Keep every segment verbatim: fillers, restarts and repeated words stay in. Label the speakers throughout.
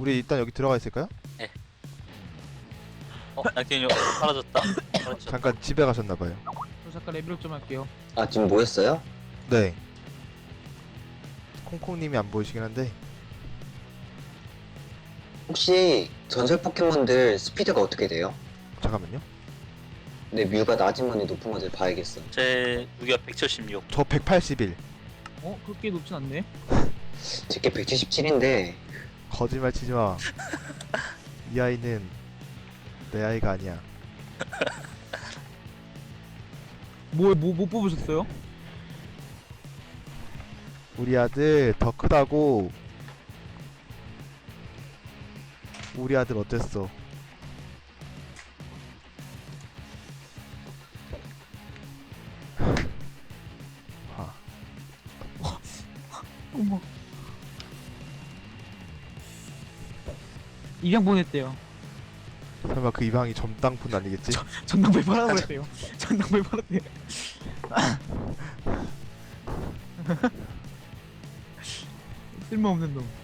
Speaker 1: 우리 일단 여기 들어가 있을까요?
Speaker 2: 네. 어, 양팀이 사라졌다. 사라졌다.
Speaker 1: 잠깐 집에 가셨나봐요.
Speaker 3: 저 잠깐 레벨업 좀 할게요.
Speaker 4: 아 지금 모였어요?
Speaker 1: 네. 콩콩님이 안 보이시긴 한데.
Speaker 4: 혹시 전설 포켓몬들 스피드가 어떻게 돼요?
Speaker 1: 잠깐만요.
Speaker 4: 내 뮤가 낮은 건지 높은 건지 봐야겠어.
Speaker 2: 제 무기가 백칠십육.
Speaker 1: 저 백팔십일.
Speaker 3: 어? 그렇게 높진 않네.
Speaker 4: 제게 백칠십칠인데
Speaker 1: 거짓말 치지마. 이 아이는 내 아이가 아니야.
Speaker 3: 뭐, 뭐, 못 뽑으셨어요?
Speaker 1: 우리 아들 더 크다고. 우리 아들 어땠어? 아,
Speaker 3: 어머. 입양 보냈대요.
Speaker 1: 설마 그 이방이 점땅푼 아니겠지?
Speaker 3: 전당배 팔아버렸대요. 전당배 팔았대요. 쓸모없는 놈.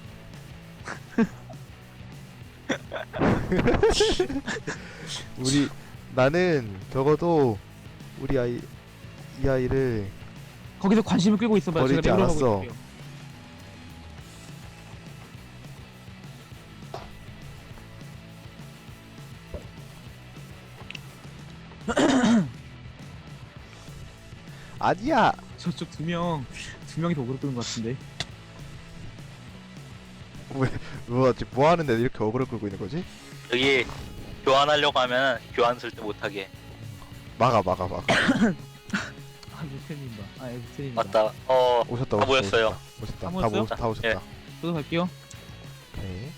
Speaker 1: 우리 나는 적어도 우리 아이 이 아이를
Speaker 3: 거기서 관심을 끌고 있어봐요. 제가
Speaker 1: 버리지
Speaker 3: 레벨업하고
Speaker 1: 않았어.
Speaker 3: 있을게요.
Speaker 1: 아니야.
Speaker 3: 저쪽 두 명, 두 명이 더 오그로 끄는 것 같은데.
Speaker 1: 뭐 지금 뭐 하는데 이렇게 어그로 끌고 있는 거지?
Speaker 2: 여기 교환하려고 하면 교환 쓸 때 못하게.
Speaker 1: 막아 막아 막아.
Speaker 3: 아, 루테님 봐. 아, 루테님 봐.
Speaker 2: 맞다. 어,
Speaker 1: 오셨다
Speaker 2: 다
Speaker 1: 오셨다
Speaker 2: 모였어요.
Speaker 1: 오셨다.
Speaker 3: 다
Speaker 1: 다
Speaker 3: 모였어요?
Speaker 1: 모였다 다 오셨다.
Speaker 2: 예.
Speaker 3: 저도 갈게요.
Speaker 1: 오케이.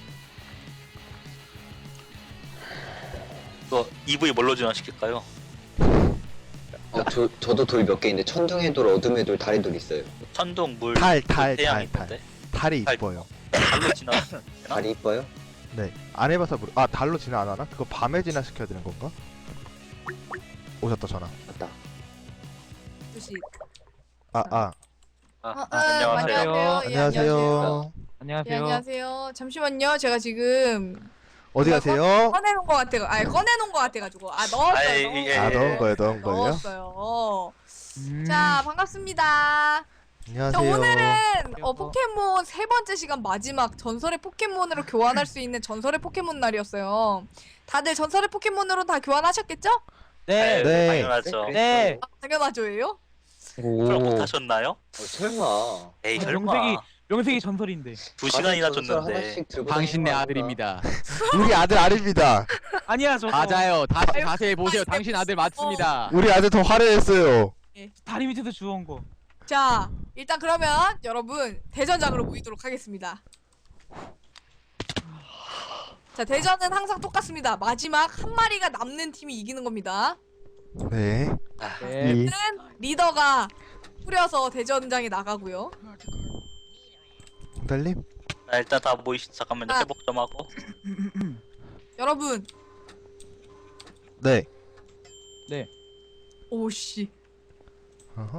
Speaker 2: 이거 이브이 뭘로 지원시킬까요?
Speaker 4: 어, 저, 저도 돌 몇 개 있는데 천둥의 돌, 어둠의 돌, 달의 돌 있어요.
Speaker 2: 천둥, 물,
Speaker 1: 달, 달,
Speaker 2: 태양
Speaker 1: 달, 달.
Speaker 2: 있는데
Speaker 1: 달이
Speaker 2: 달.
Speaker 1: 이뻐요.
Speaker 2: 달로 지나.
Speaker 4: 달이 이뻐요?
Speaker 1: 네. 안 해봐서 모르. 아 달로 진화 안 하나? 그거 밤에 진화 시켜야 되는 건가? 오셨다 전화.
Speaker 4: 맞다.
Speaker 5: 주식.
Speaker 1: 아 아.
Speaker 2: 아,
Speaker 5: 아,
Speaker 2: 아, 안녕하세요.
Speaker 3: 안녕하세요.
Speaker 5: 예,
Speaker 1: 안녕하세요.
Speaker 5: 예,
Speaker 3: 안녕하세요.
Speaker 5: 안녕하세요. 잠시만요. 제가 지금
Speaker 1: 어디 가세요?
Speaker 5: 꺼내놓은 것 같아. 아니 꺼내놓은 것 같아가지고. 아 넣었어요.
Speaker 2: 아이,
Speaker 5: 넣었어요.
Speaker 2: 예,
Speaker 1: 아
Speaker 2: 예.
Speaker 1: 넣은 거예요, 넣은 거예요.
Speaker 5: 넣었어요.
Speaker 3: 음.
Speaker 5: 자 반갑습니다. 자,
Speaker 1: 안녕하세요.
Speaker 5: 오늘은 어, 포켓몬 세 번째 시간 마지막 전설의 포켓몬으로 교환할 수 있는 전설의 포켓몬 날이었어요. 다들 전설의 포켓몬으로 다 교환하셨겠죠?
Speaker 3: 네.
Speaker 1: 네.
Speaker 2: 당연하죠.
Speaker 3: 네.
Speaker 5: 아, 당연하죠예요.
Speaker 4: 오.
Speaker 2: 그럼 못하셨나요?
Speaker 4: 어, 설마.
Speaker 2: 에이
Speaker 3: 아,
Speaker 2: 설마.
Speaker 3: 명색이 명색이 전설인데.
Speaker 2: 두 시간이나
Speaker 4: 다들 전설
Speaker 2: 줬는데.
Speaker 4: 하나씩 들고
Speaker 6: 당신 내
Speaker 4: 다니는 거
Speaker 6: 아들입니다.
Speaker 1: 우리 아들 아닙니다.
Speaker 3: 아니야 저.
Speaker 6: 맞아요. 다시
Speaker 5: 아유,
Speaker 6: 자세히 보세요.
Speaker 5: 아유,
Speaker 6: 당신 아들 맞습니다.
Speaker 1: 우리 아들 더 화려했어요.
Speaker 3: 다리 밑에서 주워온 거.
Speaker 5: 자 일단 그러면 여러분 대전장으로 모이도록 하겠습니다. 자 대전은 항상 똑같습니다. 마지막 한 마리가 남는 팀이 이기는 겁니다.
Speaker 1: 네.
Speaker 3: 네.
Speaker 1: 이.
Speaker 5: 는 리더가 뿌려서 대전장에 나가고요.
Speaker 1: 달님.
Speaker 2: 자, 일단 다 모이시. 잠깐만요.
Speaker 5: 아.
Speaker 2: 회복 좀 하고.
Speaker 5: 여러분
Speaker 1: 네.
Speaker 5: 오씨
Speaker 1: 어허.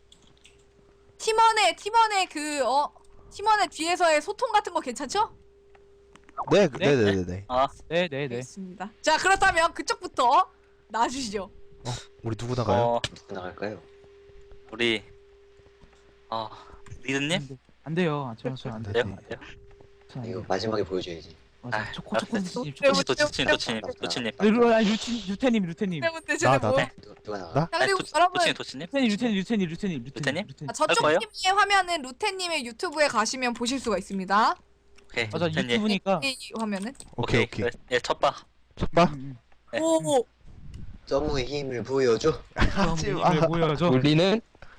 Speaker 5: 팀원의 팀원의 그 어 팀원의 뒤에서의 소통 같은 거 괜찮죠?
Speaker 1: 네,
Speaker 3: 네?
Speaker 1: 네, 네, 네, 네.
Speaker 2: 아,
Speaker 3: 네, 네, 네.
Speaker 5: 알겠습니다. 자 그렇다면 그쪽부터 나와주시죠.
Speaker 1: 우리 누구 나가요?
Speaker 2: 어,
Speaker 4: 누구 나갈까요?
Speaker 2: 우리 어, 리드님?
Speaker 3: 안 돼요. 아, 저, 저, 안
Speaker 1: 네.
Speaker 3: 돼요.
Speaker 2: 돼요? 돼요?
Speaker 3: 저 안
Speaker 4: 이거
Speaker 3: 돼요.
Speaker 4: 마지막에 보여줘야지.
Speaker 3: 맞아.
Speaker 2: 아,
Speaker 3: 초코, 초코,
Speaker 2: 알았어요.
Speaker 3: 스님,
Speaker 5: 네,
Speaker 3: 초코.
Speaker 2: 도치님, 도치님, 도치님, 도치님.
Speaker 3: 네, 루, 아니, 루틴, 루테님, 루테님.
Speaker 5: 네 문제
Speaker 1: 나,
Speaker 5: 쟤네
Speaker 1: 나,
Speaker 5: 뭐?
Speaker 1: 나.
Speaker 4: 누가, 누가 나가?
Speaker 1: 나?
Speaker 5: 자 그리고
Speaker 2: 도치-
Speaker 5: 여러분
Speaker 2: 도치님, 도치님.
Speaker 3: 루테님, 루테님, 루테님, 루테님,
Speaker 2: 루테님?
Speaker 5: 아, 저쪽
Speaker 2: 거예요?
Speaker 5: 팀의 화면은 루테님의 유튜브에 가시면 보실 수가 있습니다.
Speaker 2: 오케이.
Speaker 3: 맞아,
Speaker 2: 루테님.
Speaker 3: 유튜브니까.
Speaker 5: 이 화면은.
Speaker 1: 오케이, 오케이.
Speaker 2: 그래. 예, 첫 봐.
Speaker 1: 첫 봐.
Speaker 3: 음,
Speaker 2: 네.
Speaker 5: 오.
Speaker 4: 점무의 힘을 보여줘.
Speaker 3: 음.
Speaker 1: 하지
Speaker 3: 그럼
Speaker 1: 마.
Speaker 3: 이걸 보여줘.
Speaker 6: 우리는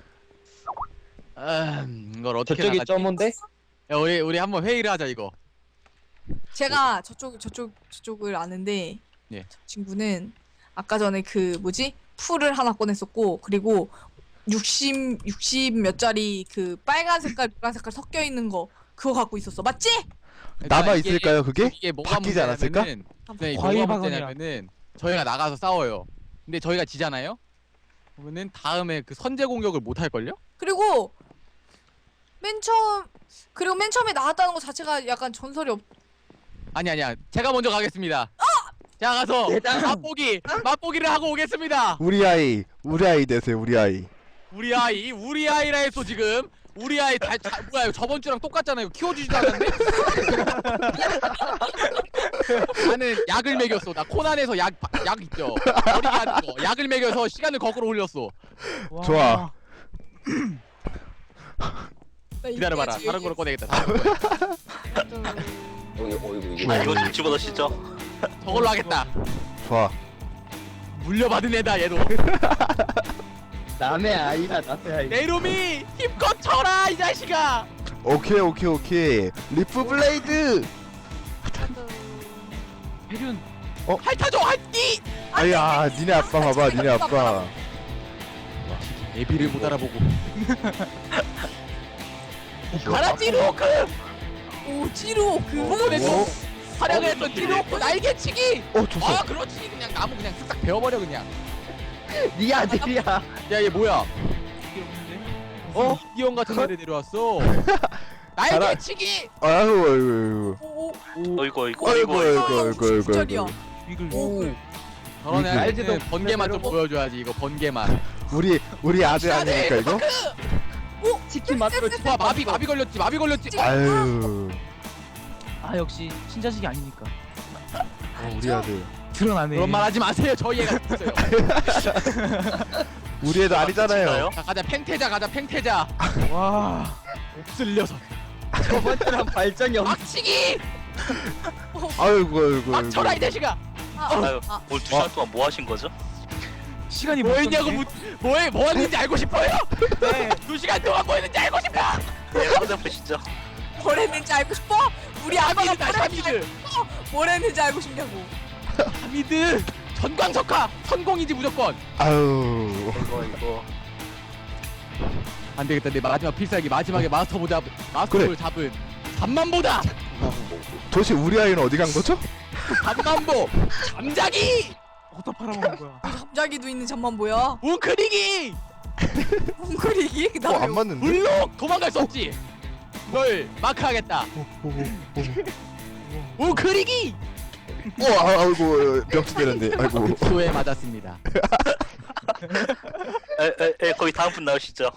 Speaker 6: 음, 이걸 어떻게
Speaker 7: 저쪽이
Speaker 6: 나가지?
Speaker 7: 점인데?
Speaker 6: 야, 우리 우리 한번 회의를 하자 이거.
Speaker 5: 제가 저쪽 저쪽 저쪽을 아는데
Speaker 6: 예.
Speaker 5: 저 친구는 아까 전에 그 뭐지 풀을 하나 꺼냈었고 그리고 육십 육십 몇 짜리 그 빨간 색깔 노란 색깔 섞여 있는 거 그거 갖고 있었어 맞지?
Speaker 6: 그러니까
Speaker 1: 남아
Speaker 6: 이게-
Speaker 1: 있을까요, 그게?
Speaker 6: 이게 뭐가
Speaker 1: 바뀌지 않았을까?
Speaker 6: 문제냐면은 네,
Speaker 3: 과일
Speaker 6: 뭐가
Speaker 3: 박원이야.
Speaker 6: 문제냐면은 저희가 나가서 싸워요. 근데 저희가 지잖아요. 그러면은 다음에 그 선제 공격을 못 할 걸요?
Speaker 5: 그리고 맨 처음 그리고 맨 처음에 나왔다는 거 자체가 약간 전설이 없
Speaker 6: 아니 아니야. 제가 먼저 가겠습니다. 제가 가서 맛보기 맛보기를 하고 오겠습니다.
Speaker 1: 우리 아이 우리 아이 되세요 우리 아이.
Speaker 6: 우리 아이 우리 아이라 했어 지금. 우리 아이 다, 다 뭐야 이거 저번 주랑 똑같잖아요. 키워주지도 않았는데. 나는 약을 먹였어. 나 코난에서 약 약 있죠. 어리게 하는 거. 약을 먹여서 시간을 거꾸로 올렸어.
Speaker 3: 와.
Speaker 1: 좋아.
Speaker 5: 나
Speaker 6: 기다려봐라.
Speaker 5: 이때까지
Speaker 6: 다른 거로 꺼내겠다. 다른 거.
Speaker 4: 어이구 어이구 이게
Speaker 2: 아 이거 좀 집어넣으시죠.
Speaker 6: 저걸로 하겠다.
Speaker 1: 좋아.
Speaker 6: 물려받은 애다 얘도.
Speaker 3: 남의 아이라 남의 아이.
Speaker 6: 내 이름이 힘껏 쳐라 이 자식아.
Speaker 1: 오케이 오케이 오케이. 리프 블레이드.
Speaker 3: 혜륜.
Speaker 6: 핥아줘 핥기.
Speaker 1: 아야 니네 아빠 봐봐 니네 아빠.
Speaker 6: 애비를 못 알아보고. 가라 찌루오크.
Speaker 5: 오 찌루 그거
Speaker 6: 보냈어. 활약을 했던 찌루오크 날개치기.
Speaker 1: 어 줬어.
Speaker 6: 아 그렇지 그냥 나무 그냥 쓱싹 베어버려 그냥.
Speaker 3: 네 아들이야.
Speaker 6: 야 얘 뭐야?
Speaker 3: 어?
Speaker 6: 이형 같은 애를 데려왔어. 날개치기.
Speaker 1: 아이고 아이고
Speaker 5: 오
Speaker 2: 어이구 어이구
Speaker 1: 아이고
Speaker 2: 어이구
Speaker 1: 아이고 아이고 아이고
Speaker 5: 진짜리야.
Speaker 1: 아이고.
Speaker 3: 이글.
Speaker 5: 오
Speaker 6: 저런
Speaker 1: 이게-
Speaker 6: 애한테는 번개만 좀 보여줘야지 이거 번개만.
Speaker 1: 우리 우리 아들 아니니까 이거?
Speaker 3: 치킨 맛으로
Speaker 6: 와 마비 마비 걸렸지 마비 걸렸지.
Speaker 1: 아유
Speaker 3: 아 역시 친자식이 아니니까.
Speaker 1: 어, 우리 아들
Speaker 3: 드러나네.
Speaker 6: 그런 말 하지 마세요. 저희 애가 있어요.
Speaker 1: 우리 애도 아니잖아요.
Speaker 2: 진짜요?
Speaker 6: 자 가자 팽태자 가자 팽태자.
Speaker 3: 와.
Speaker 6: 없을 녀석.
Speaker 3: 저번처럼 발전이 없.
Speaker 6: 막치기.
Speaker 1: 아이고 아이고
Speaker 6: 막 쳐라 이
Speaker 1: 아이고.
Speaker 6: 자식아.
Speaker 2: 아유
Speaker 5: 아,
Speaker 2: 오늘 두 시간 동안 뭐 하신 거죠?
Speaker 3: 시간이
Speaker 6: 뭐 했냐고 묻 뭐해 뭐 했는지 알고 싶어요?
Speaker 3: 네.
Speaker 6: 두 시간 동안 뭐 했는지 알고 싶어.
Speaker 2: 네 한번 보시죠.
Speaker 5: 뭘 했는지 알고 싶어? 우리 아빠가 뭘
Speaker 6: 하미드다
Speaker 5: 했는지,
Speaker 6: 하미드.
Speaker 5: 알고, 뭘 했는지 알고 싶냐고.
Speaker 6: 하미드. 전광석화 성공이지 무조건.
Speaker 1: 아유
Speaker 2: 이거 이거
Speaker 6: 안 되겠다 내 마지막 필살기 마지막에 마스터볼 잡 마스터볼 잡은 잠만보다
Speaker 1: 도대체 우리 아이는 어디 간 거죠?
Speaker 6: 잠만보 잠자기
Speaker 3: 어디다 팔아먹은 거야?
Speaker 5: 잠자기도 있는 잠만 보여.
Speaker 6: 웅크리기
Speaker 5: 웅크리기 그다음에
Speaker 1: 어안 맞는데?
Speaker 6: 물록 도망갈 수 없지. 널 마크하겠다. 웅크리기
Speaker 1: 어 아, 아이고 명치 되는데 아이고.
Speaker 6: 소에 맞았습니다.
Speaker 2: 에에에 거기 다음 분 나오시죠.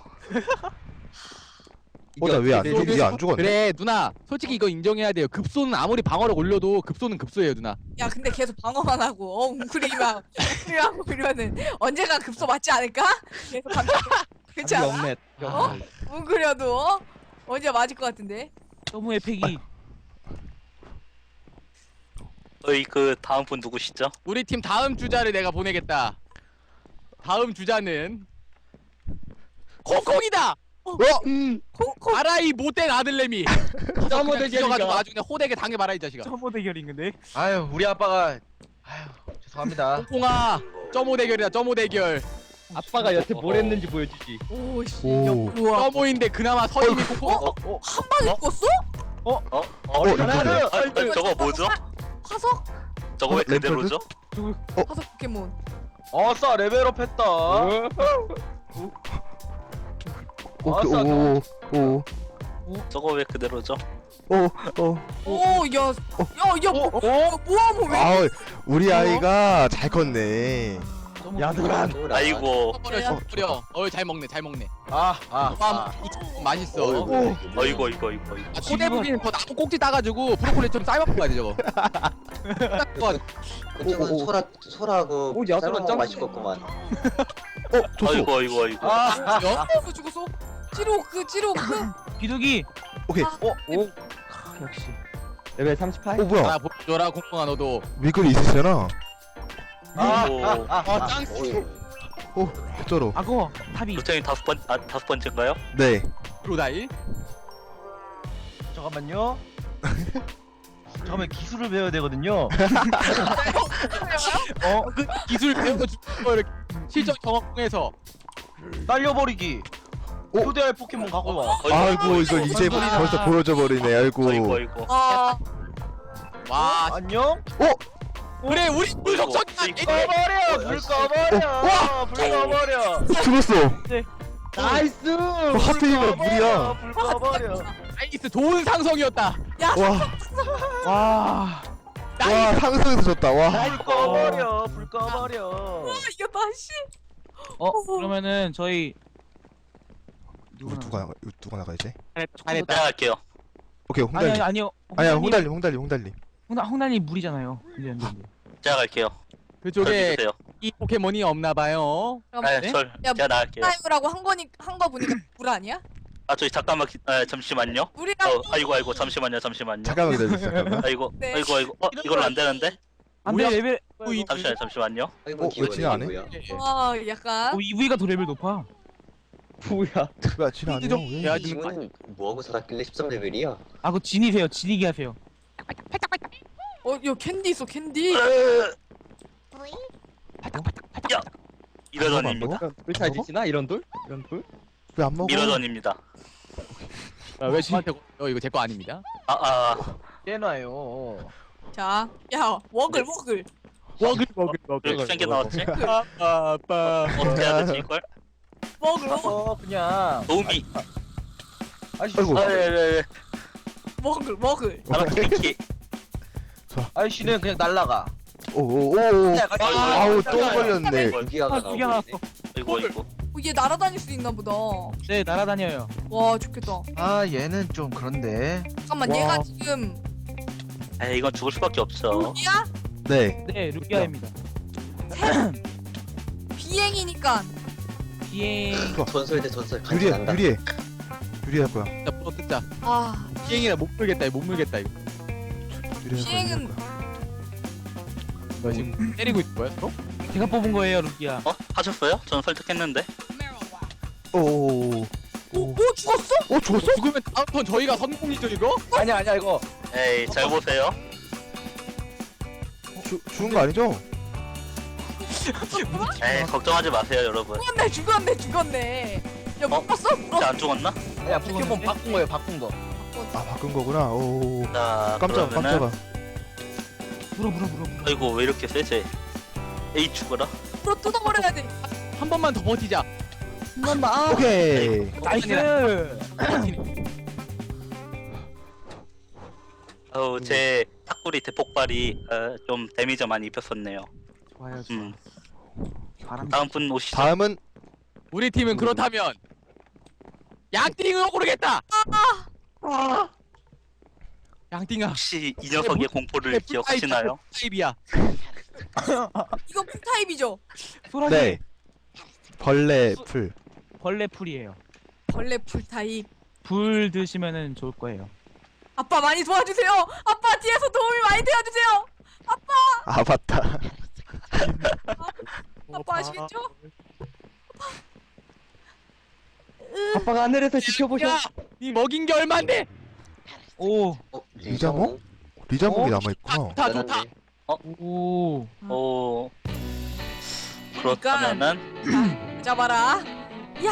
Speaker 1: 어나왜안 죽? 얘안 죽었네?
Speaker 6: 그래 누나 솔직히 이거 인정해야 돼요. 급소는 아무리 방어력 올려도 급소는 급소예요 누나.
Speaker 5: 야 근데 계속 방어만 하고 어 웅크리기만 웅크리하고 이러면은 언젠가 급소 맞지 않을까? 계속 감기 그렇지 않아?
Speaker 3: 없네.
Speaker 5: 어? 웅크려도 어? 언제 맞을 것 같은데?
Speaker 3: 너무 에펙이.
Speaker 2: 어이 그 다음 분 누구시죠?
Speaker 6: 우리 팀 다음 주자를 내가 보내겠다. 다음 주자는 콩콩이다.
Speaker 1: 어?
Speaker 5: 콩콩
Speaker 6: 아라이 못된 아들내미.
Speaker 3: 점호
Speaker 6: 그냥 뒤져가지고
Speaker 3: 대결이다.
Speaker 6: 아주 그냥 호되게 당해봐라 이 자식아.
Speaker 3: 점호 대결인 건데.
Speaker 7: 아유 우리 아빠가 아유 죄송합니다.
Speaker 6: 콩콩아 점호 대결이다 점호 대결.
Speaker 3: 아빠가 여태 뭘 했는지 보여주지.
Speaker 5: 오씨
Speaker 1: 오.
Speaker 5: 우와
Speaker 6: 점호인데 그나마 서임이 콩콩.
Speaker 2: 어? 어?
Speaker 5: 한 방에 죽었어?
Speaker 2: 어? 어?
Speaker 1: 어,
Speaker 2: 잠깐만요.
Speaker 1: 이거네.
Speaker 2: 아, 아니, 저거 뭐죠?
Speaker 5: 화석?
Speaker 2: 저거 왜
Speaker 1: 어, 램프드?
Speaker 2: 그대로죠?
Speaker 5: 화석 포켓몬
Speaker 7: 어싸 레벨업 했다.
Speaker 1: 오케이 오오
Speaker 2: 저거 왜 그대로죠?
Speaker 1: 오.
Speaker 5: 오야야야 뭐 뭐하면 왜
Speaker 1: 아 우리 아이가 잘 컸네.
Speaker 3: 야도란.
Speaker 2: 아이고
Speaker 6: 씹어버려 씹어버려. 어잘 먹네 잘 먹네.
Speaker 7: 아아
Speaker 6: 아,
Speaker 7: 아.
Speaker 6: 이거 맛있어.
Speaker 2: 어이구 어이구 이거 이거 이거
Speaker 6: 아, 꼬대부기는 더 나무 꼭지 따가지고 브로콜리처럼 삶아먹고 가야 돼 저거. 딱 그거
Speaker 4: 그쪽은 소라 소라고
Speaker 3: 오, 야,
Speaker 4: 삶은 거
Speaker 3: 짱-
Speaker 4: 맛있겠구만.
Speaker 1: 어 줬어.
Speaker 2: 아이고 아이고 아이고
Speaker 7: 아.
Speaker 5: 죽었어 죽었어 찌로 그 찌로 그
Speaker 3: 비둘기.
Speaker 1: 오케이.
Speaker 5: 아,
Speaker 3: 어? 오. 역시. 레벨 삼십팔.
Speaker 1: 오 뭐야?
Speaker 6: 하나 보여줘라 콩콩아 너도.
Speaker 1: 밀거리 있으시잖아.
Speaker 2: 아이고
Speaker 6: 아 짱.
Speaker 1: 오 쩔어.
Speaker 3: 악어. 탑이.
Speaker 2: 루테님 다섯 번 아, 다섯 번째인가요?
Speaker 1: 네.
Speaker 6: 프로다일.
Speaker 7: 잠깐만요. 잠깐만 기술을 배워야 되거든요.
Speaker 6: 어? 그 기술 배운 거 주는 거 이렇게 실전 경험 통해서.
Speaker 7: 날려버리기.
Speaker 1: 오.
Speaker 7: 초대할 포켓몬 갖고 와.
Speaker 1: 아이고 이걸 이제 벌써 보여줘 버리네. 아이고.
Speaker 2: 아이고 아이고
Speaker 5: 아
Speaker 6: 와
Speaker 7: 안녕.
Speaker 6: 그래 우리 물속성이야.
Speaker 2: 이거-
Speaker 7: 꺼버려. 불 꺼버려. 불 꺼버려.
Speaker 1: 죽었어.
Speaker 3: 나이스.
Speaker 1: 어, 하필이면 물이야.
Speaker 7: 불 꺼버려.
Speaker 6: 나이스 좋은 상성이었다.
Speaker 5: 야,
Speaker 1: 와.
Speaker 3: 와.
Speaker 1: 와 상상해서 졌다. 와.
Speaker 7: 불 꺼버려 불 꺼버려.
Speaker 5: 이겼다 씨.
Speaker 3: 어 그러면은 저희
Speaker 1: 이거 누가 나가? 이거 누가 나가 이제?
Speaker 6: 잘했다 잘했다.
Speaker 2: 내가 할게요.
Speaker 1: 오케이
Speaker 3: 아니
Speaker 1: 홍달님.
Speaker 3: 아니 아니요.
Speaker 1: 아니야
Speaker 3: 홍달님-
Speaker 1: 홍달님 홍달님 홍달님.
Speaker 3: 홍달 홍달님 물이잖아요. 근데 안 돼.
Speaker 2: 제가 갈게요.
Speaker 6: 그쪽에
Speaker 2: 주세요.
Speaker 6: 이 포켓몬이 없나봐요.
Speaker 5: 그럼
Speaker 2: 아,
Speaker 3: 네?
Speaker 2: 절
Speaker 5: 야,
Speaker 2: 제가 나갈게요.
Speaker 5: 타임이라고 한 거니 한 거 보니까 물 아니야?
Speaker 2: 아 저기 잠깐만 기, 아, 잠시만요.
Speaker 5: 물이랑
Speaker 2: 어, 아이고 아이고 잠시만요 잠시만요.
Speaker 1: 잠깐만 기다려주세요. 잠깐만.
Speaker 2: 아이고
Speaker 5: 네.
Speaker 2: 아이고 아이고 어 이걸로 안 되는데?
Speaker 3: 안돼
Speaker 6: 뭐야?
Speaker 3: 레벨.
Speaker 6: 이-
Speaker 2: 잠시만요 잠시만요.
Speaker 4: 아이고
Speaker 1: 어,
Speaker 4: 귀여워
Speaker 1: 왜 진행 안 해?
Speaker 4: 이거야.
Speaker 5: 와 약간
Speaker 3: 오 이브이가 더 레벨 높아.
Speaker 7: 뭐야?
Speaker 1: 야 진아 아니야?
Speaker 6: 좀
Speaker 1: 왜?
Speaker 6: 해야
Speaker 4: 이 친구는 뭐하고 살았길래 십삼 레벨이야?
Speaker 3: 아 그거 진이세요. 진이기 하세요.
Speaker 5: 어야 캔디 있어 캔디.
Speaker 2: 야 미러전입니다.
Speaker 7: 불잘 지나 이런 돌? 이런 돌?
Speaker 1: 왜안 먹어?
Speaker 2: 미러전입니다.
Speaker 6: 아, 왜 저한테 어 이거 제 거 아닙니다.
Speaker 2: 아아
Speaker 7: 깨놔요.
Speaker 5: 자, 야 워글 워글.
Speaker 6: 먹을 먹을
Speaker 2: 왜 이렇게 생겨 나왔지?
Speaker 6: 아빠
Speaker 2: 어떻게 해야 되지 이걸?
Speaker 5: 워글 워글
Speaker 7: 어 그냥.
Speaker 2: 도우미.
Speaker 7: 아이씨.
Speaker 1: 아이고.
Speaker 2: 아예예.
Speaker 5: 워글 워글.
Speaker 2: 아라키키.
Speaker 7: 아이씨는 그냥 날라가.
Speaker 1: 오오오. 아우 또 걸렸네.
Speaker 4: 무기화가
Speaker 3: 아,
Speaker 4: 나오고
Speaker 3: 무기화가
Speaker 4: 있네.
Speaker 2: 아이고 아이고.
Speaker 5: 어, 얘 날아다닐 수 있나 보다.
Speaker 3: 네 날아다녀요.
Speaker 5: 와 좋겠다.
Speaker 7: 아 얘는 좀 그런데.
Speaker 5: 잠깐만
Speaker 3: 와.
Speaker 5: 얘가 지금
Speaker 2: 에이 이건 죽을 수밖에 없어.
Speaker 5: 루기야?
Speaker 1: 네.
Speaker 3: 네 루기아입니다.
Speaker 5: 비행이니까
Speaker 3: 비행.
Speaker 4: 전설 대 전설 같이
Speaker 1: 유리해
Speaker 4: 난다.
Speaker 1: 유리해. 유리할 거야.
Speaker 6: 나 물어 뜯자.
Speaker 5: 아
Speaker 6: 비행이라 못 물겠다 이거 못 물겠다 이거.
Speaker 1: 유리할 거야.
Speaker 5: 비행은-
Speaker 1: 유리할 거야.
Speaker 6: 너 지금 때리고 있는 거야 서로?
Speaker 3: 제가 뽑은 거예요 루기아.
Speaker 2: 어 하셨어요? 저는 설득했는데.
Speaker 1: 오오오.
Speaker 5: 오, 오 죽었어?
Speaker 1: 어 죽었어?
Speaker 6: 죽으면 다음 턴 저희가 성공이죠 이거?
Speaker 7: 아니야 아니야 이거.
Speaker 2: 에이 잘 보세요.
Speaker 1: 죽 죽은 거 아니죠?
Speaker 2: 에이 걱정하지 마세요 여러분.
Speaker 5: 죽었네 죽었네 죽었네. 야못
Speaker 2: 어?
Speaker 5: 봤어? 물어.
Speaker 2: 안 죽었나?
Speaker 7: 야 포켓몬 바꾼 거예요 바꾼 거.
Speaker 1: 아 바꾼 거구나. 오.
Speaker 2: 자
Speaker 1: 깜짝
Speaker 2: 그러면은
Speaker 1: 깜짝아.
Speaker 3: 물어 물어 물어 물어.
Speaker 2: 아이고 왜 이렇게 세지? 에이 죽어라.
Speaker 5: 물어 뜯어버려야 돼.
Speaker 6: 한 번만 더 버티자.
Speaker 1: 오케이.
Speaker 3: 나이스.
Speaker 2: 어우 제 탁구리 대폭발이 어, 좀 데미지 많이 입혔었네요.
Speaker 3: 좋아요 좋아.
Speaker 2: 음
Speaker 3: 바람.
Speaker 2: 다음 분 오시죠.
Speaker 1: 다음은
Speaker 6: 우리 팀은 그렇다면 양띵으로 고르겠다. 양띵아.
Speaker 2: 혹시 이 녀석의 공포를 기억하시나요?
Speaker 6: 타입이야.
Speaker 5: 이거 풀 타입이죠?
Speaker 3: 소라기.
Speaker 1: 네. 벌레 풀.
Speaker 3: 벌레 풀이에요.
Speaker 5: 벌레 풀 타입.
Speaker 3: 불 드시면은 좋을 거예요.
Speaker 5: 아빠 많이 도와주세요. 아빠 뒤에서 도움이 많이 되어주세요.
Speaker 1: 아 맞다.
Speaker 5: 아빠 아시겠죠?
Speaker 7: 아빠가 하늘에서 지켜보셔.
Speaker 6: 야, 니 먹인 게 얼만데?
Speaker 3: 오.
Speaker 4: 어,
Speaker 1: 리자몽? 리자몽이 남아 있구나.
Speaker 6: 좋다 좋다.
Speaker 3: 오.
Speaker 2: 오 그렇다면은
Speaker 5: 잡아라. 야,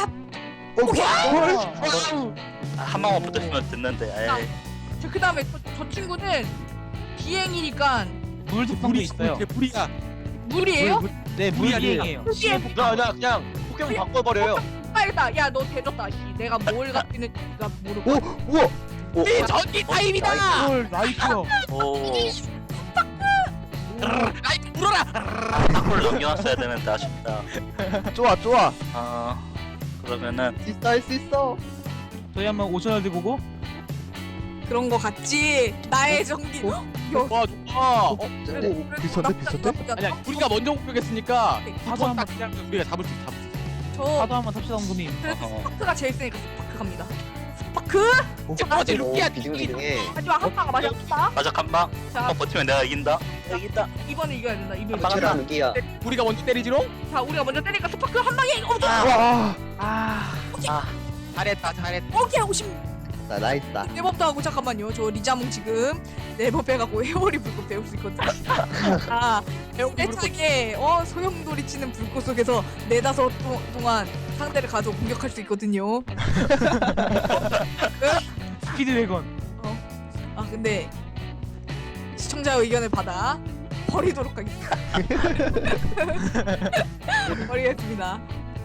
Speaker 2: 한 방만 붙으시면 듣는데. 에이.
Speaker 5: 저 그다음에 저, 저 친구는 비행이니까
Speaker 3: 물 특성도 있어요.
Speaker 6: 이게 불이야.
Speaker 5: 물이에요?
Speaker 3: 물, 물, 네, 물
Speaker 6: 물이 아니라
Speaker 3: 비행이에요.
Speaker 5: 비행.
Speaker 7: 야야 그냥 포켓몬 바꿔버려요.
Speaker 5: 빨다. 야, 너 대졌다. 씨. 내가 뭘 갖기는 네가 모르고.
Speaker 1: 오 우와.
Speaker 6: 이 전기 타입이다.
Speaker 3: 헐, 나이스요.
Speaker 2: 오
Speaker 6: 아이 물어라.
Speaker 2: 탁구를 넘겨놨어야 되는데 아쉽다.
Speaker 1: 좋아 좋아.
Speaker 2: 아 그러면은
Speaker 7: 있어 할 수 있어.
Speaker 3: 저희 한번 오천 원 들고 오고.
Speaker 5: 그런 거 같지. 나의 전기. 야,
Speaker 6: 와 좋아. 어,
Speaker 5: 그래도
Speaker 1: 비슷한데,
Speaker 5: 나쁘지
Speaker 1: 비슷한데?
Speaker 5: 않다.
Speaker 6: 아니야 우리가 먼저 공격했으니까
Speaker 3: 사도
Speaker 6: 딱
Speaker 3: 한번
Speaker 6: 그냥 우리가 잡을 수 있어. 잡을 수 있어.
Speaker 5: 저
Speaker 3: 사도 한번 탑시다 엉금님.
Speaker 5: 그래도
Speaker 2: 어허.
Speaker 5: 스파크가 제일 세니까 스파크 갑니다. 스파크.
Speaker 6: 첫 번째
Speaker 4: 오,
Speaker 6: 루키야.
Speaker 4: 비등비등해.
Speaker 5: 마지막 한 방아 마지막.
Speaker 2: 마작 한방
Speaker 5: 자,
Speaker 2: 한번 버티면 내가 이긴다. 이긴다.
Speaker 5: 이번에 이겨야 된다. 이번에.
Speaker 4: 맞춰라 루기야.
Speaker 6: 우리가 먼저 때리지롱.
Speaker 5: 자, 우리가 먼저 때리니까 스파크 한 방에. 어,
Speaker 1: 와.
Speaker 3: 아.
Speaker 6: 잘했다 잘했다.
Speaker 5: 오케이 오십.
Speaker 7: 나 나이스다.
Speaker 5: 네버도 하고 잠깐만요. 저 리자몽 지금 네버 빼갖고 회오리 불꽃 배울 수 있거든요. 아, 애착에 어 소용돌이 치는 불꽃 속에서 네다섯 도, 동안 상대를 가져 공격할 수 있거든요.
Speaker 3: 스피드 웨건.
Speaker 5: 아 근데 시청자의 의견을 받아 버리도록 하겠습니다. 버리겠습니다.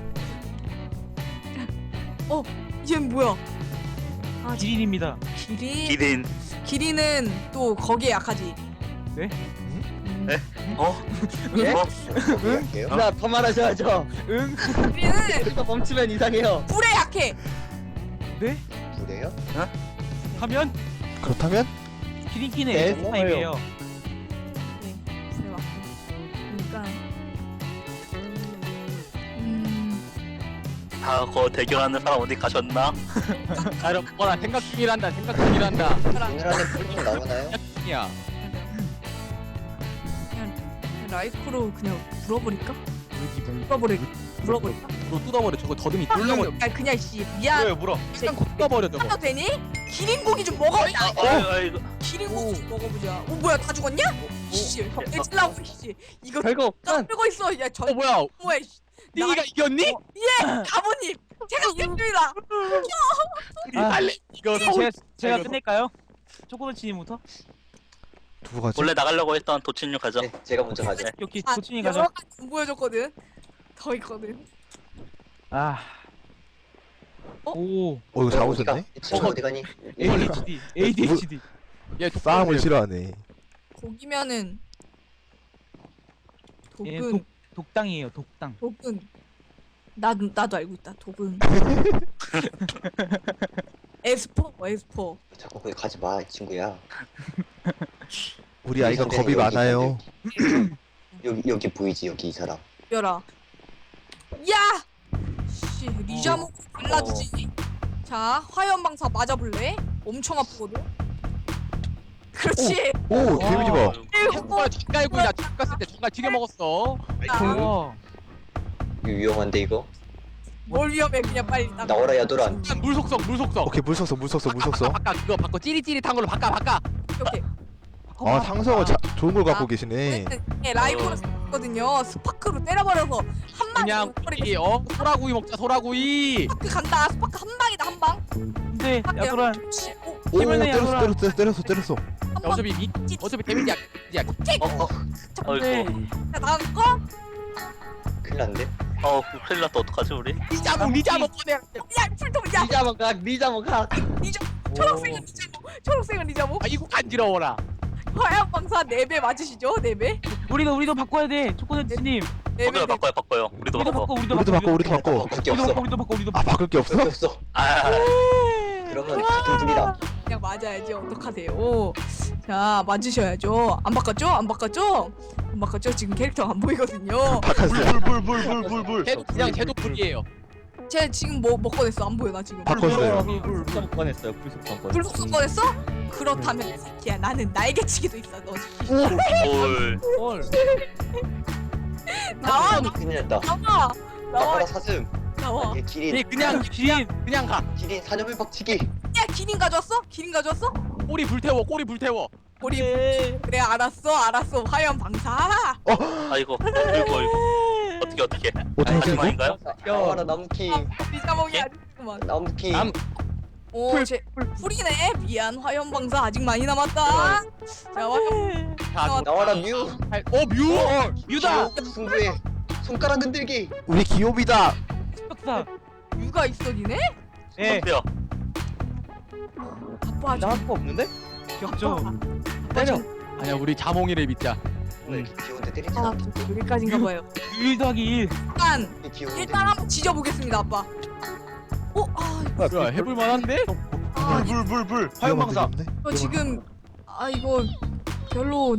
Speaker 5: 어, 얘는 뭐야? 아,
Speaker 3: 기린입니다.
Speaker 5: 기린.
Speaker 2: 기린.
Speaker 5: 기린은 또 거기에 약하지.
Speaker 2: 어?
Speaker 7: 예?
Speaker 2: 어?
Speaker 4: 할게요.
Speaker 7: 나 더 말하셔야죠.
Speaker 3: 응?
Speaker 5: 우리는
Speaker 7: 또 멈추면 이상해요.
Speaker 5: 불에 약해.
Speaker 3: 네?
Speaker 4: 그래요?
Speaker 3: 하면
Speaker 1: 그렇다면
Speaker 3: 키링키는
Speaker 7: 네,
Speaker 3: 에스 타입이에요.
Speaker 5: 네, 불에 맞고. 그러니까 음,
Speaker 2: 아, 그거 대결하는 사람 어디 가셨나?
Speaker 6: 아, 여러분 뭐라 생각 중이란다 생각 중이란다
Speaker 4: 오늘 안에 풀좀 나오나요?
Speaker 6: 야
Speaker 5: 그냥 라이크로 그냥 불어버릴까? 불어버릴 불어버릴까?
Speaker 6: 너 뜯어버려 저거 더듬이 뚫려버려
Speaker 5: 아 그냥 씨 미안.
Speaker 7: 왜 물어?
Speaker 6: 그냥 뜯어버려 저거
Speaker 5: 하도 되니? 기린고기 좀 먹어보자.
Speaker 2: 아이고, 아이고.
Speaker 5: 기린고기 좀 먹어보자. 어 뭐야 다 죽었냐? 씨, 헬질라고 씨. 이거
Speaker 7: 별거 없단.
Speaker 5: 끌고 있어. 야 전.
Speaker 6: 어 뭐야
Speaker 5: 뭐야? 씨.
Speaker 6: 띵이가 이겼니?
Speaker 5: 예, 가모님. 제가 격조이다.
Speaker 3: 아,
Speaker 6: 빨리 이거
Speaker 3: 제가 제가
Speaker 6: 이거
Speaker 3: 끝낼까요? 초코도치님부터?
Speaker 1: 누구 가지?
Speaker 2: 원래 나가려고 했던 도친류 가자.
Speaker 4: 네, 제가 먼저 가죠.
Speaker 3: 여기
Speaker 5: 아,
Speaker 3: 도치님
Speaker 5: 여러
Speaker 3: 가죠.
Speaker 5: 가지 안 보여줬거든. 더 있거든.
Speaker 3: 아.
Speaker 5: 어?
Speaker 3: 오.
Speaker 1: 어 이거 잡으셨네?
Speaker 4: 이 친구 어디 가니?
Speaker 3: 에이디에이치디. 에이디에이치디.
Speaker 6: 얘
Speaker 1: 싸움을 싫어하네.
Speaker 5: 고기면은
Speaker 3: 얘
Speaker 5: 독은
Speaker 3: 독 독당이에요. 독당.
Speaker 5: 독은 나 나도 알고 있다. 독은 에스퍼 에스퍼.
Speaker 4: 자꾸 거기 가지 마, 이 친구야.
Speaker 1: 우리 아이가
Speaker 4: 이
Speaker 1: 겁이
Speaker 4: 여기
Speaker 1: 많아요.
Speaker 4: 여기 여기 보이지 여기 이 사람.
Speaker 5: 벼라. 야! 씨, 리자모 발라주지. 자, 화염방사 맞아볼래? 엄청 아프거든. 그렇지.
Speaker 1: 오 데미지 봐.
Speaker 6: 정말 젓갈고 나 집 갔을 때 정말 튀겨 먹었어
Speaker 3: 와.
Speaker 4: 이거 위험한데 이거?
Speaker 5: 뭘 위험해? 그냥 빨리 나.
Speaker 4: 나와라 야도란.
Speaker 6: 물 속성 물 속성
Speaker 1: 오케이 물 섞어 물 섞어 물 섞어.
Speaker 6: 바꿔 그거 바꿔 찌릿찌릿한 걸로 바꿔 바꿔
Speaker 5: 이렇게.
Speaker 1: 아 상성을 자, 좋은 걸 갖고 계시네.
Speaker 5: 예, 라이브로 썼거든요. 스파크로 때려버려서 한 방에
Speaker 6: 그냥
Speaker 5: 버리고
Speaker 6: 우리 어 소라구이 먹자 소라구이
Speaker 5: 스파크 간다. 스파크 한 방이다 한 방.
Speaker 3: 근데 야도란
Speaker 5: 그렇지. 오,
Speaker 1: 오
Speaker 3: 힘을 내,
Speaker 1: 때렸어
Speaker 3: 야구라.
Speaker 1: 때렸어 때렸어 때렸어.
Speaker 5: 한 방.
Speaker 6: 어차피 미 어차피 데미지 약
Speaker 2: 어, 어,
Speaker 3: 네.
Speaker 2: 아이고.
Speaker 5: 자, 다음 거.
Speaker 4: 큰일 났는데?
Speaker 2: 어, 큰일 났다. 어떡하지, 우리?
Speaker 6: 리자몽 리자몽 꺼내
Speaker 5: 야, 풀톱 야,
Speaker 7: 리자몽 각, 리자몽 각.
Speaker 5: 초록색은 리자모. 초록색은 리자모.
Speaker 6: 아 이거 간지러워라
Speaker 5: 화염방사 네 배 맞으시죠? 네 배?
Speaker 3: 우리도 우리도 바꿔야 돼. 초코도치님.
Speaker 5: 네 배.
Speaker 2: 우리도 바꿔요, 바꿔요. 우리도
Speaker 3: 우리도
Speaker 2: 바꿔.
Speaker 3: 바꿔. 우리도
Speaker 1: 우리도 바꿔 우리도 바꿔.
Speaker 4: 바꿀 게
Speaker 3: 우리도
Speaker 4: 없어.
Speaker 3: 바꿔. 우리도 바꿔. 우리도
Speaker 1: 아
Speaker 3: 바꿔.
Speaker 1: 바꿀 게 없어?
Speaker 4: 그게 없어.
Speaker 2: 아,
Speaker 4: 그러면 같은 둘이다.
Speaker 5: 그냥 맞아야지. 어떡하세요? 자, 맞으셔야죠. 안 바꿨죠? 안 바꿨죠? 안 바꿨죠? 지금 캐릭터가 안 보이거든요.
Speaker 1: 바꿨어요.
Speaker 7: 불불불불불불.
Speaker 6: 쟤도 그냥 쟤도 불이에요
Speaker 5: 쟤 지금 뭐, 뭐 꺼냈어? 안 보여, 나 지금.
Speaker 1: 바꿨어요.
Speaker 7: 불불 꺼냈어요. 불속성 꺼냈어요.
Speaker 5: 불속성 꺼냈어? 그렇다면 이 새끼야, 나는 날개치기도 있어. 너
Speaker 2: 올.
Speaker 3: 헐.
Speaker 5: 나와,
Speaker 4: 아, 큰일 났다.
Speaker 5: 나와, 나와,
Speaker 4: 나와라 사슴.
Speaker 5: 나와.
Speaker 4: 얘
Speaker 6: 얘
Speaker 4: 기린.
Speaker 6: 그냥 그냥 그냥 가
Speaker 4: 기린 사념을 박치기.
Speaker 5: 야, 기린 가져왔어? 기린 가져왔어?
Speaker 6: 꼬리 불태워 꼬리 불태워
Speaker 5: 우리 그래, 알았어, 알았어. 화염 방사.
Speaker 2: 아이고, 아이고, 아이고. 어떻게, 어떻게.
Speaker 1: 어떻게 하지 이거?
Speaker 2: 마지막인가요?
Speaker 4: 나와라 나무킹.
Speaker 5: 리자몽이 아니구만.
Speaker 4: 나무킹.
Speaker 6: 남-
Speaker 5: 오, 쟤 풀이네. 미안, 화염 방사 아직 많이 남았다. 자, 화염
Speaker 6: 자,
Speaker 4: 나와라 뮤.
Speaker 6: 어 뮤!
Speaker 3: 유다.
Speaker 4: 승부에 손가락 흔들기.
Speaker 1: 우리 기욤이다.
Speaker 3: 박사.
Speaker 5: 유가 있어, 니네?
Speaker 3: 예.
Speaker 2: 어때요?
Speaker 5: 아빠 아직
Speaker 7: 나할 거 없는데?
Speaker 3: 격조.
Speaker 7: 때려.
Speaker 6: 아니야 우리 자몽이를 믿자
Speaker 4: 왜 귀여운데 때리지
Speaker 5: 아,
Speaker 4: 않아?
Speaker 5: 여기까지인가 봐요.
Speaker 3: 일 더하기 일.
Speaker 5: 일단
Speaker 4: 귀여운데.
Speaker 5: 일단 한번 지져보겠습니다, 아빠. 어, 아,
Speaker 6: 뭐야 해볼 만한데?
Speaker 5: 아,
Speaker 7: 불불불불. 화염방사.
Speaker 1: 위험한데, 위험한데?
Speaker 5: 이거 지금 아 이거 별로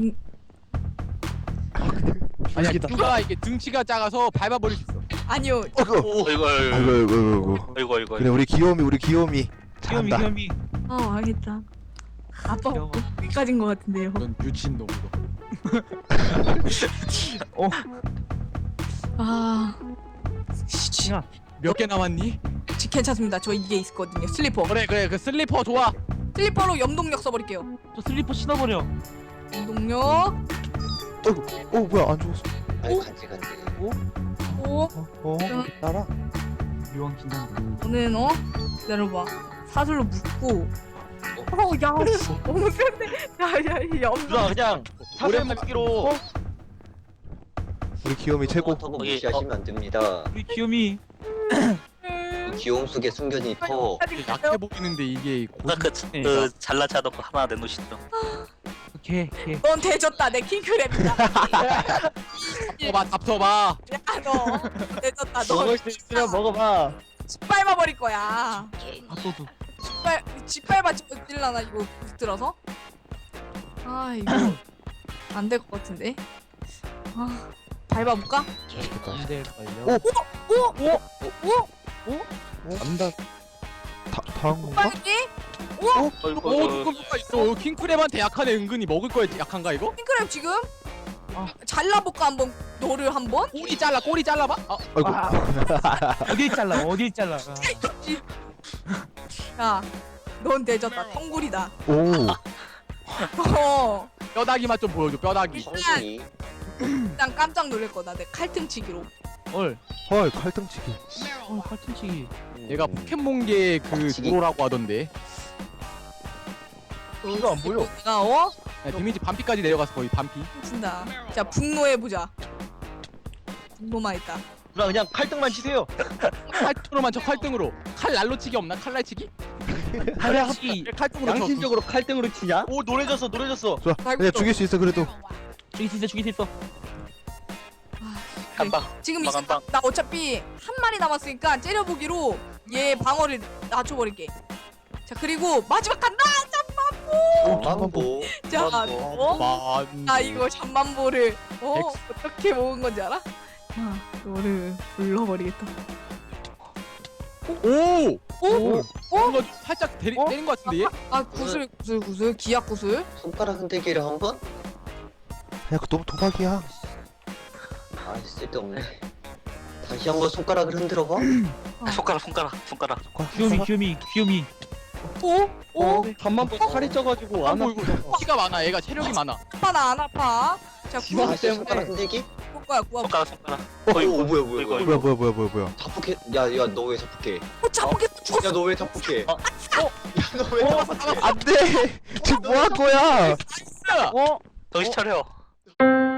Speaker 6: 아니야 누가 이게 등치가 작아서 밟아버릴 수 있어
Speaker 5: 아니요.
Speaker 1: 어이구
Speaker 2: 오, 이거, 이거,
Speaker 1: 아이고 아이고 아이고.
Speaker 2: 이거, 이거.
Speaker 1: 그래 우리 기욤이 우리 기욤이
Speaker 3: 귀요미
Speaker 1: 잘한다.
Speaker 3: 귀요미.
Speaker 5: 아, 알겠다. 아빠
Speaker 3: 귀여워.
Speaker 5: 여기까지인 것 같은데요.
Speaker 6: 넌 미친놈 이거
Speaker 5: 아, 씨,
Speaker 3: 야.
Speaker 6: 몇 개 남았니?
Speaker 5: 지- 괜찮습니다. 저 이게 있거든요. 슬리퍼.
Speaker 6: 그래 그래 그 슬리퍼 좋아
Speaker 5: 슬리퍼로 염동력 써버릴게요.
Speaker 3: 저 슬리퍼 신어버려.
Speaker 5: 염동력.
Speaker 1: 어 뭐야 안 죽었어.
Speaker 4: 아니 간지 간지.
Speaker 5: 오,
Speaker 1: 어
Speaker 7: 나라.
Speaker 3: 묘한 긴장.
Speaker 5: 저는 어 기다려봐. 사슬로 묶고. 어, 야, 씨, 너무 센데. 야, 야, 이 염동.
Speaker 7: 누나 그냥 사슬 먹기로.
Speaker 1: 우리 기욤이 최고.
Speaker 4: 터고
Speaker 2: 거기,
Speaker 4: 무시하시면 안 됩니다.
Speaker 3: 우리 귀요미.
Speaker 4: 이 귀여움 속에 숨겨진 이 파워.
Speaker 6: 약해 보이는데 이게
Speaker 2: 아까 그,
Speaker 6: 네.
Speaker 2: 그 잘난 체하던 거 하나 내놓으시죠.
Speaker 3: 개개
Speaker 5: 넌 대졌다. 내 킹크랩이다.
Speaker 6: 봐봐 잡숴봐.
Speaker 5: 야너 대졌다. 너
Speaker 7: 먹을 수 있으면 먹어봐.
Speaker 5: 짓밟아 버릴 거야.
Speaker 3: 밥도둑.
Speaker 5: 짓밟 짓밟아 찔라나 이거 들어서? 아 이거 안 될 것 같은데. 아 밟아볼까?
Speaker 3: 안 될걸요.
Speaker 1: 오!
Speaker 5: 오! 오! 오!
Speaker 7: 안다.
Speaker 1: 다 다음 건가?
Speaker 5: 빨리? 오!
Speaker 6: 오
Speaker 2: 어이구
Speaker 6: 누가 누가 있어. 킹크랩한테 약하네. 은근히 먹을 거에 약한가 이거?
Speaker 5: 킹크랩 지금?
Speaker 3: 아.
Speaker 5: 잘라볼까 한번 너를 한번?
Speaker 6: 꼬리 잘라 꼬리 잘라봐. 아,
Speaker 1: 아이고.
Speaker 3: 아, 어딜 잘라 어딜 잘라. 아.
Speaker 5: 야, 넌 대졌다. 텅구리다.
Speaker 1: 오.
Speaker 5: 어,
Speaker 6: 뼈다귀 맛 좀 보여줘. 뼈다귀.
Speaker 4: 성순이.
Speaker 5: 일단 깜짝 놀랄 거다. 내 칼등치기로.
Speaker 3: 헐.
Speaker 1: 헐 칼등치기.
Speaker 3: 어 팔꿈치기.
Speaker 6: 얘가 포켓몬계 그
Speaker 4: 박치기.
Speaker 6: 도로라고 하던데.
Speaker 7: 이거 안 보여.
Speaker 5: 내가 어?
Speaker 6: 야, 데미지 반피까지 내려가서 거의 반피.
Speaker 5: 친다. 자, 분노해 보자. 분노만 있다.
Speaker 7: 누나 그냥 칼등만 치세요.
Speaker 6: 칼등으로만 쳐 칼등으로. 칼 날로치기 없나? 칼날치기?
Speaker 3: 팔꿈치.
Speaker 6: 칼등으로 쳐.
Speaker 7: 양심적으로 칼등으로 치냐? 오 노래졌어 노래졌어.
Speaker 1: 좋아.
Speaker 5: 아이고,
Speaker 1: 야
Speaker 5: 또.
Speaker 1: 죽일 수 있어 그래도.
Speaker 3: 죽일 수 있어 죽일 수 있어.
Speaker 2: 한방
Speaker 5: 지금 이제
Speaker 2: 한방
Speaker 5: 나 어차피 한 마리 남았으니까 째려보기로 얘 방어를 낮춰버릴게. 자, 그리고 마지막 간다.
Speaker 4: 어, 망보.
Speaker 5: 자, 어?
Speaker 6: 만.
Speaker 5: 나 이거 잠만보를 어
Speaker 6: 엑스.
Speaker 5: 어떻게 먹은 건지 알아? 아, 너를 불러버리겠다.
Speaker 6: 오!
Speaker 5: 오?
Speaker 6: 뭔가 좀 살짝 때리,
Speaker 3: 어?
Speaker 6: 때린 것 같은데 얘?
Speaker 5: 아, 구슬 구슬 구슬 기약 구슬.
Speaker 4: 손가락 흔들기를 한 번?
Speaker 1: 야 그거 너무 도박이야.
Speaker 4: 아 쓸데없네. 다시 한번 손가락을 흔들어 봐.
Speaker 2: 손가락 손가락 손가락
Speaker 3: 귀요미 귀요미 귀요미.
Speaker 5: 오? 오?
Speaker 7: 반만 보 살이 쪄가지고 안
Speaker 6: 아이고
Speaker 7: 아프다.
Speaker 6: 이거 피가 많아. 얘가 체력이 많아.
Speaker 5: 아파 나 안 아파. 자,
Speaker 7: 지방
Speaker 5: 구슬
Speaker 4: 다시 손가락 흔들기?
Speaker 5: 볼 거야 구워.
Speaker 2: 손가락 손가락
Speaker 4: 어,
Speaker 2: 어이구,
Speaker 4: 어 뭐야 뭐야
Speaker 2: 어이구,
Speaker 4: 뭐야.
Speaker 2: 어이구.
Speaker 1: 뭐야 뭐야 뭐야 뭐야 뭐야.
Speaker 4: 자폭해. 야야 너 왜 자폭해?
Speaker 5: 어, 잡겠어 죽었어.
Speaker 4: 야 너 왜 자폭해?
Speaker 2: 어?
Speaker 4: 야 너 왜
Speaker 6: 어,
Speaker 4: 자폭해?
Speaker 1: 안돼. 지금 뭐 할 거야?
Speaker 6: 야!
Speaker 3: 어?
Speaker 2: 정신 차려